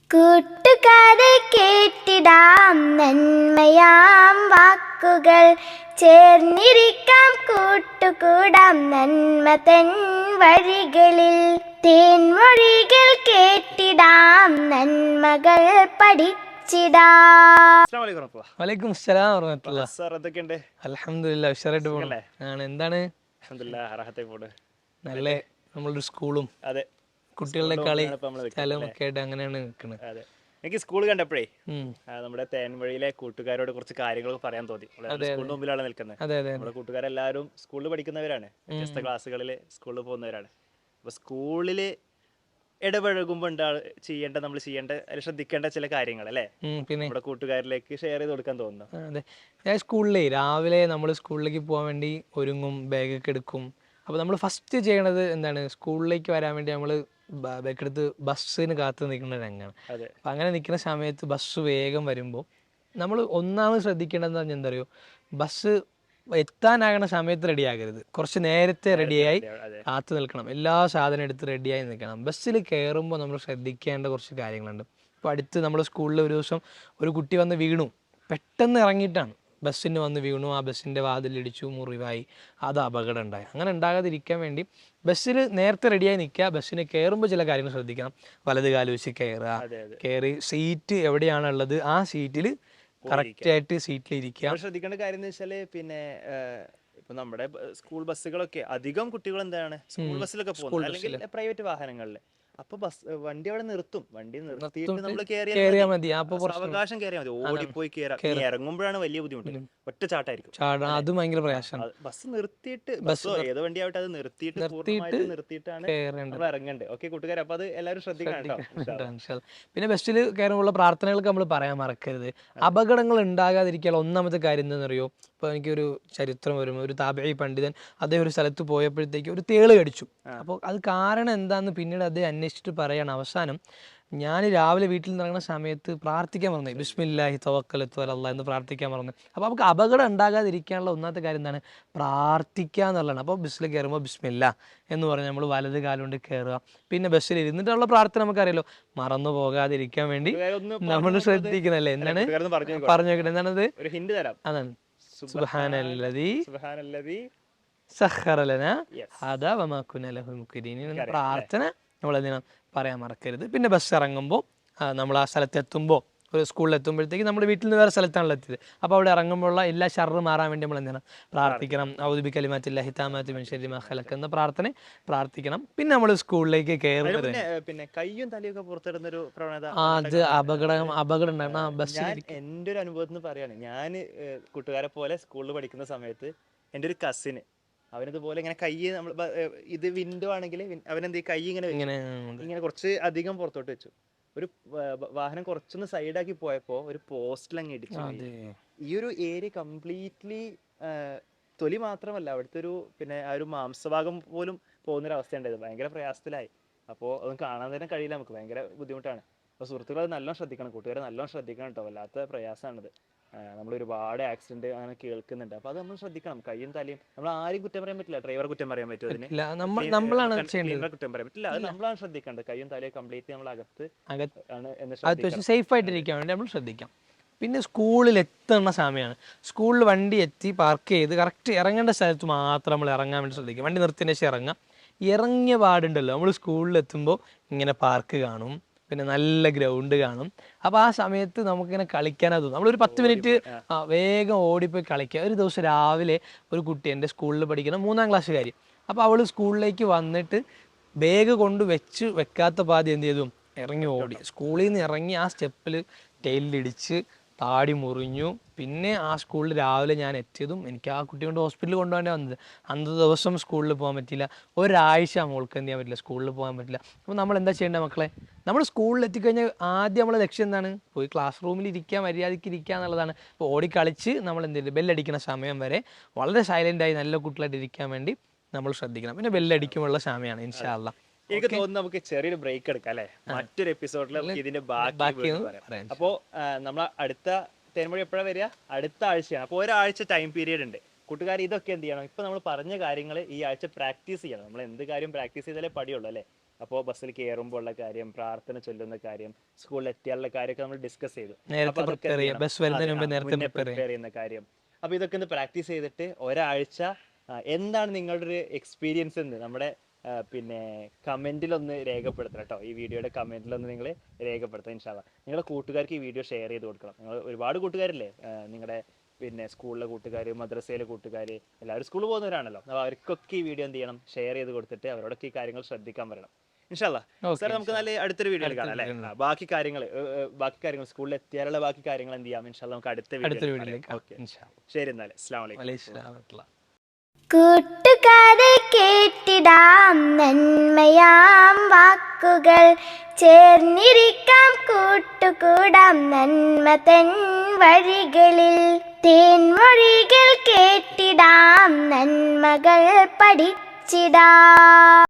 കൂട്ടുകാരെ കേട്ടിടാം നന്മയാം വാക്കുകൾ, ചേർന്നിരിക്കാം കൂട്ടുകൂടാം നന്മ തൻ വഴികളിൽ. തേൻമൊഴികൾ കേട്ടിടാം നന്മകൾ പഠിച്ചിടാം. വലൈക്കും അസ്സലാം വറഹ്മത്തുള്ളാഹി. സാർ എന്തൊക്കെയുണ്ട്? അൽഹംദുലില്ലാ ഉഷാറായിട്ട് പോകുന്നു. ആണ് എന്താണ് അൽഹംദുലില്ലാഹ് റാഹത്തായി പോണ്. നല്ല നമ്മളൊരു സ്കൂളും അതെ, കുട്ടികളുടെ കളി സ്ഥലവും ഒക്കെ ആയിട്ട് അങ്ങനെയാണ് നിൽക്കുന്നത്. അതെ. എനിക്ക് സ്കൂൾ കണ്ടപ്പോഴേ നമ്മുടെ തേൻവഴിയിലെ കൂട്ടുകാരോട് കുറച്ച് കാര്യങ്ങളൊക്കെ പറയാൻ തോന്നി. സ്കൂളിന് മുമ്പിലാണ് നിൽക്കുന്നത്. അതെ അതെ നമ്മുടെ കൂട്ടുകാരെല്ലാവരും സ്കൂളിൽ പഠിക്കുന്നവരാണ്, വ്യത്യസ്ത ക്ലാസ്സുകളിൽ സ്കൂളിൽ പോകുന്നവരാണ്. അപ്പോൾ സ്കൂളിൽ ഇടപഴകുമ്പോൾ നമ്മൾ ചെയ്യേണ്ട ശ്രദ്ധിക്കേണ്ട ചില കാര്യങ്ങൾ അല്ലേ, പിന്നെ നമ്മുടെ കൂട്ടുകാരിലേക്ക് ഷെയർ ചെയ്ത് കൊടുക്കാൻ തോന്നുന്നു. അതെ, ഞാൻ സ്കൂളിലേ രാവിലെ നമ്മൾ സ്കൂളിലേക്ക് പോകാൻ വേണ്ടി ഒരുങ്ങും, ബാഗൊക്കെ എടുക്കും. അപ്പോൾ നമ്മൾ ഫസ്റ്റ് ചെയ്യണത് എന്താണ്, സ്കൂളിലേക്ക് വരാൻ വേണ്ടി നമ്മൾ ബാഗ് എടുത്ത് ബസ്സിന് കാത്ത് നിൽക്കുന്ന രംഗമാണ്. അപ്പം അങ്ങനെ നിൽക്കുന്ന സമയത്ത് ബസ് വേഗം വരുമ്പോൾ നമ്മൾ ഒന്നാമത് ശ്രദ്ധിക്കേണ്ടതെന്ന് പറഞ്ഞാൽ എന്താ അറിയോ, ബസ് എത്താനാകണ സമയത്ത് റെഡി ആകരുത്, കുറച്ച് നേരത്തെ റെഡിയായി കാത്തു നിൽക്കണം. എല്ലാ സാധനം എടുത്ത് റെഡിയായി നിൽക്കണം. ബസ്സിൽ കയറുമ്പോൾ നമ്മൾ ശ്രദ്ധിക്കേണ്ട കുറച്ച് കാര്യങ്ങളുണ്ട്. ഇപ്പോൾ അടുത്ത് നമ്മൾ സ്കൂളിൽ ഒരു ദിവസം ഒരു കുട്ടി വന്ന് വീണു, പെട്ടെന്ന് ഇറങ്ങിയിട്ടാണ് ബസ്സിന് വന്ന് വീണു. ആ ബസ്സിൻ്റെ വാതിലിടിച്ചു, മുറിവായി, അത് അപകടം ഉണ്ടായി. അങ്ങനെ ഉണ്ടാകാതിരിക്കാൻ വേണ്ടി ബസ്സിൽ നേരത്തെ റെഡിയായി നിൽക്കുക. ബസ്സിന് കയറുമ്പോൾ ചില കാര്യങ്ങൾ ശ്രദ്ധിക്കണം. വലത് കാല് വെച്ച് കയറുക, കയറി സീറ്റ് എവിടെയാണുള്ളത് ആ സീറ്റിൽ കറക്റ്റായിട്ട് സീറ്റിൽ ഇരിക്കുക. ശ്രദ്ധിക്കേണ്ട കാര്യം എന്ന് വെച്ചാല് പിന്നെ ഇപ്പൊ നമ്മുടെ സ്കൂൾ ബസ്സുകളൊക്കെ അധികം കുട്ടികൾ എന്താണ് സ്കൂൾ ബസ്സിലൊക്കെ പോകുന്നത്, അല്ലെങ്കിൽ പ്രൈവറ്റ് വാഹനങ്ങളിൽ. അപ്പൊ വണ്ടി അവിടെ നിർത്തും, വണ്ടി നിർത്തിയിട്ട് നമ്മൾ കയറിയാൽ മതി. അവകാശം കയറിയാൽ മതി, ഓടിപ്പോയി ഇറങ്ങുമ്പോഴാണ് വലിയ ബുദ്ധിമുട്ട്. ഒറ്റ ചാട്ടായിരിക്കും, അത് ഭയങ്കര പ്രയാസമാണ്. ബസ് നിർത്തിയിട്ട്, ബസ്സോ ഏത് വണ്ടി ആവട്ടെ അത് നിർത്തിയിട്ടാണ് നമ്മൾ ഇറങ്ങേണ്ടത്. ഓക്കെ കൂട്ടുകാർ, അപ്പൊ അത് എല്ലാവരും ശ്രദ്ധിക്കണം. പിന്നെ ബസ്സിൽ കയറുമ്പോഴുള്ള പ്രാർത്ഥനകൾക്ക് നമ്മൾ പറയാൻ മറക്കരുത്. അപകടങ്ങൾ ഉണ്ടാകാതിരിക്കാനുള്ള ഒന്നാമത്തെ കാര്യം എന്താണെന്നറിയോ, ഇപ്പോൾ എനിക്കൊരു ചരിത്രം വരുമ്പോൾ ഒരു താബഈ പണ്ഡിതൻ അദ്ദേഹം ഒരു സ്ഥലത്ത് പോയപ്പോഴത്തേക്ക് ഒരു തേള് കടിച്ചു. അപ്പോൾ അത് കാരണം എന്താണെന്ന് പിന്നീട് അദ്ദേഹം അന്വേഷിച്ചിട്ട് പറയാണ്, അവസാനം ഞാൻ രാവിലെ വീട്ടിൽ നിന്ന് ഇറങ്ങുന്ന സമയത്ത് പ്രാർത്ഥിക്കാൻ പറഞ്ഞു, ബിസ്മില്ലാഹി തവക്കലത്തു അലല്ലാഹ് എന്ന് പ്രാർത്ഥിക്കാൻ പറഞ്ഞു. അപ്പോൾ നമുക്ക് അപകടം ഉണ്ടാകാതിരിക്കാനുള്ള ഒന്നാമത്തെ കാര്യം എന്താണ്, പ്രാർത്ഥിക്കുക എന്നുള്ളതാണ്. അപ്പോൾ ബസ്സിൽ കയറുമ്പോൾ ബിസ്മില്ലാ എന്ന് പറഞ്ഞ് നമ്മൾ വലത് കാലുകൊണ്ട് കയറുക. പിന്നെ ബസ്സിൽ ഇരുന്നിട്ടുള്ള പ്രാർത്ഥന നമുക്കറിയാലോ, മറന്നു പോകാതിരിക്കാൻ വേണ്ടി നമ്മൾ ശ്രദ്ധിക്കുന്നല്ലേ. എന്താണ് പറഞ്ഞു നോക്കട്ടെ, എന്താണത്? അതാണ് സുബ്ഹാനല്ലദീ സഖറ ലനാ ഹദാ വമാ കുന്നാ ലഹു മുഖ്രിനീൻ എന്ന പ്രാർത്ഥന നമ്മൾ എന്തിനാ പറയാൻ മറക്കരുത്. പിന്നെ ബസ് ഇറങ്ങുമ്പോൾ നമ്മൾ ആ സ്ഥലത്തെത്തുമ്പോൾ, ഒരു സ്കൂളിലെത്തുമ്പോഴത്തേക്ക് നമ്മുടെ വീട്ടിൽ നിന്ന് വേറെ സ്ഥലത്താണല്ലോ എത്തിയത്. അപ്പോൾ അവിടെ ഇറങ്ങുമ്പോഴുള്ള എല്ലാ ഷർറ് മാറാൻ വേണ്ടി നമ്മൾ എന്താണ് പ്രാർത്ഥിക്കണം. ഔദു ബികലിമാത്തില്ലാഹി താമ്മാത്തി മിൻ ശർരി മാ ഖലഖ എന്ന പ്രാർത്ഥന പ്രാർത്ഥിക്കണം. പിന്നെ നമ്മൾ സ്കൂളിലേക്ക് കയറുന്നത് പിന്നെ കയ്യും തലയൊക്കെ പുറത്തിടുന്നൊരു പ്രവണത, അത് അപകടം ഉണ്ടായിരുന്നു ആ ബസ്സിൽ. എൻ്റെ ഒരു അനുഭവത്തിൽ നിന്ന് പറയാണ്, ഞാൻ കൂട്ടുകാരെ പോലെ സ്കൂളിൽ പഠിക്കുന്ന സമയത്ത് എൻ്റെ ഒരു കസിന് അവനിതുപോലെ ഇങ്ങനെ കൈ നമ്മൾ ഇത് വിൻഡോ ആണെങ്കിൽ അവനെന്ത് കൈ ഇങ്ങനെ കുറച്ച് അധികം പുറത്തോട്ട് വെച്ചു. ഒരു വാഹനം കുറച്ചൊന്ന് സൈഡാക്കി പോയപ്പോ ഒരു പോസ്റ്റിലങ്ങ് ഇടിച്ചു. ഈ ഒരു ഏരിയ കംപ്ലീറ്റ്ലി തൊലി മാത്രമല്ല, അവിടുത്തെ ഒരു പിന്നെ ആ ഒരു മാംസഭാഗം പോലും പോകുന്നൊരവസ്ഥ ഉണ്ടായത്. ഭയങ്കര പ്രയാസത്തിലായി. അപ്പോൾ അതൊന്നും കാണാൻ തന്നെ കഴിയില്ല, നമുക്ക് ഭയങ്കര ബുദ്ധിമുട്ടാണ്. അപ്പോൾ സുഹൃത്തുക്കൾ അത് നല്ലോണം ശ്രദ്ധിക്കണം, കൂട്ടുകാരെ നല്ലോണം ശ്രദ്ധിക്കണം കേട്ടോ. വല്ലാത്ത പ്രയാസമാണിത്. നമ്മൾ ഒരുപാട് ആക്സിഡന്റ് അങ്ങനെ കേൾക്കുന്നുണ്ട്. അപ്പൊ അത് നമ്മൾ ശ്രദ്ധിക്കണം. കയ്യും തലയും നമ്മൾ ആരും കുറ്റം പറയാൻ പറ്റില്ല. ഡ്രൈവറെ കുറ്റം പറയാൻ പറ്റും, അതിന് കുറ്റം പറയാൻ പറ്റില്ല. അത് നമ്മളാണ് ശ്രദ്ധിക്കേണ്ടത്. കയ്യും തലയും കംപ്ലീറ്റ് നമ്മൾ അകത്ത് ആണ് സേഫ് ആയിട്ടിരിക്കാൻ വേണ്ടി നമ്മൾ ശ്രദ്ധിക്കാം. പിന്നെ സ്കൂളിൽ എത്തുന്ന സമയമാണ്. സ്കൂളിൽ വണ്ടി എത്തി പാർക്ക് ചെയ്ത് കറക്റ്റ് ഇറങ്ങേണ്ട സ്ഥലത്ത് മാത്രം നമ്മൾ ഇറങ്ങാൻ വേണ്ടി ശ്രദ്ധിക്കാം. വണ്ടി നിർത്തിയതിന് ശേഷം ഇറങ്ങാം. ഇറങ്ങിയ പാടുണ്ടല്ലോ, നമ്മൾ സ്കൂളിൽ എത്തുമ്പോൾ ഇങ്ങനെ പാർക്ക് കാണും, പിന്നെ നല്ല ഗ്രൗണ്ട് കാണും. അപ്പോൾ ആ സമയത്ത് നമുക്കിങ്ങനെ കളിക്കാനാണ് തോന്നും. നമ്മളൊരു 10 മിനിറ്റ് വേഗം ഓടിപ്പോയി കളിക്കുക. ഒരു ദിവസം രാവിലെ ഒരു കുട്ടി, എൻ്റെ സ്കൂളിൽ പഠിക്കുന്ന 3ാം ക്ലാസ്സുകാരി, അപ്പോൾ അവൾ സ്കൂളിലേക്ക് വന്നിട്ട് ബാഗ് കൊണ്ട് വെക്കാത്ത പാതി എന്ത് ചെയ്തു, ഇറങ്ങി ഓടി. സ്കൂളിൽ നിന്ന് ഇറങ്ങി ആ സ്റ്റെപ്പിൽ ടൈലിടിച്ച് താടി മുറിഞ്ഞു. പിന്നെ ആ സ്കൂളിൽ രാവിലെ ഞാൻ എത്തിയതും എനിക്ക് ആ കുട്ടി കൊണ്ട് ഹോസ്പിറ്റലിൽ കൊണ്ടുപോകേണ്ടി വന്നത്. അന്നത്തെ ദിവസം സ്കൂളിൽ പോകാൻ പറ്റില്ല. ഒരാഴ്ച മോൾക്ക് എന്ത് ചെയ്യാൻ പറ്റില്ല, സ്കൂളിൽ പോകാൻ പറ്റില്ല. അപ്പോൾ നമ്മൾ എന്താ ചെയ്യേണ്ടത് മക്കളെ, നമ്മൾ സ്കൂളിൽ എത്തിക്കഴിഞ്ഞാൽ ആദ്യം നമ്മളെ ലക്ഷ്യം എന്താണ്, പോയി ക്ലാസ് റൂമിൽ ഇരിക്കുക, മര്യാദയ്ക്ക് ഇരിക്കുക എന്നുള്ളതാണ്. ഇപ്പോൾ ഓടിക്കളിച്ച് നമ്മൾ എന്ത് ചെയ്യും, ബെല്ലടിക്കുന്ന സമയം വരെ വളരെ സൈലൻ്റായി നല്ല കുട്ടികളായിട്ട് ഇരിക്കാൻ വേണ്ടി നമ്മൾ ശ്രദ്ധിക്കണം. പിന്നെ ബെല്ലടിക്കുമുള്ള സമയമാണ് ഇൻഷാ അല്ലാ. എനിക്ക് തോന്നുന്നു നമുക്ക് ചെറിയൊരു ബ്രേക്ക് എടുക്കാം അല്ലെ, മറ്റൊരു എപ്പിസോഡിൽ ഇതിന്റെ ബാക്കി പറയാം. അപ്പോൾ നമ്മൾ അടുത്ത തേൻമൊഴി എപ്പോഴാണ് വരിക, അടുത്ത ആഴ്ചയാണ്. അപ്പോൾ ഒരാഴ്ച ടൈം പീരീഡ് ഉണ്ട്. കൂട്ടുകാർ ഇതൊക്കെ എന്ത് ചെയ്യണം, ഇപ്പൊ നമ്മൾ പറഞ്ഞ കാര്യങ്ങൾ ഈ ആഴ്ച പ്രാക്ടീസ് ചെയ്യണം. നമ്മൾ എന്ത് കാര്യം പ്രാക്ടീസ് ചെയ്താലേ പഠിയുള്ളൂ അല്ലേ. അപ്പോൾ ബസ്സിൽ കയറുമ്പോൾ ഉള്ള കാര്യം, പ്രാർത്ഥന ചൊല്ലുന്ന കാര്യം, സ്കൂളിൽ എത്തിയാലുള്ള കാര്യമൊക്കെ നമ്മൾ ഡിസ്കസ് ചെയ്തു. നേരത്തെ അപ്പോൾ അതൊക്കെ prepare എന്ത് ചെയ്യുക. ചെയ്യണം? ബസ് വരുന്നതിന് മുമ്പ് അതെ, നേരത്തെ മുന്നേ prepare പ്രിപ്പയർ ചെയ്യുന്ന കാര്യം. അപ്പോൾ ഇതൊക്കെ ഒന്ന് പ്രാക്ടീസ് ചെയ്തിട്ട് ഒരാഴ്ച എന്താണ് നിങ്ങളുടെ ഒരു എക്സ്പീരിയൻസ് എന്ന് നമ്മുടെ പിന്നെ കമൻറ്റിലൊന്ന് രേഖപ്പെടുത്തണം കേട്ടോ. ഈ വീഡിയോയുടെ കമൻറ്റിലൊന്ന് നിങ്ങൾ രേഖപ്പെടുത്തണം ഇൻഷാ അല്ലാ. നിങ്ങളുടെ കൂട്ടുകാർക്ക് ഈ വീഡിയോ ഷെയർ ചെയ്ത് കൊടുക്കണം. നിങ്ങൾ ഒരുപാട് കൂട്ടുകാരില്ലേ, നിങ്ങളുടെ പിന്നെ സ്കൂളിലെ കൂട്ടുകാർ, മദ്രസയിലെ കൂട്ടുകാർ, എല്ലാവരും സ്കൂളിൽ പോകുന്നവരാണല്ലോ. അപ്പോൾ അവർക്കൊക്കെ ഈ വീഡിയോ എന്ത് ചെയ്യണം, ഷെയർ ചെയ്ത് കൊടുത്തിട്ട് അവരോടൊക്കെ ഈ കാര്യങ്ങൾ ശ്രദ്ധിക്കാൻ പറയണം ഇൻഷാ അല്ലാ. സാർ നമുക്ക് നല്ല അടുത്തൊരു വീഡിയോയിൽ കാണാം അല്ലേ. ബാക്കി കാര്യങ്ങൾ സ്കൂളിൽ എത്തിയാലുള്ള ബാക്കി കാര്യങ്ങൾ എന്ത് ചെയ്യാം ഇൻഷാ അല്ലാ, നമുക്ക് അടുത്ത വീഡിയോയിലേക്ക്. ഓക്കെ, ശരി എന്നാൽ അസ്സലാമു അലൈക്കും. കൂട്ടുകാരെ കേട്ടിടാം നന്മയാം വാക്കുകൾ, ചേർന്നിരിക്കാം കൂട്ടുകൂടാം നന്മ തൻ വഴികളിൽ. തേൻമൊഴികൾ കേട്ടിടാം, നന്മകൾ പഠിച്ചിടാം.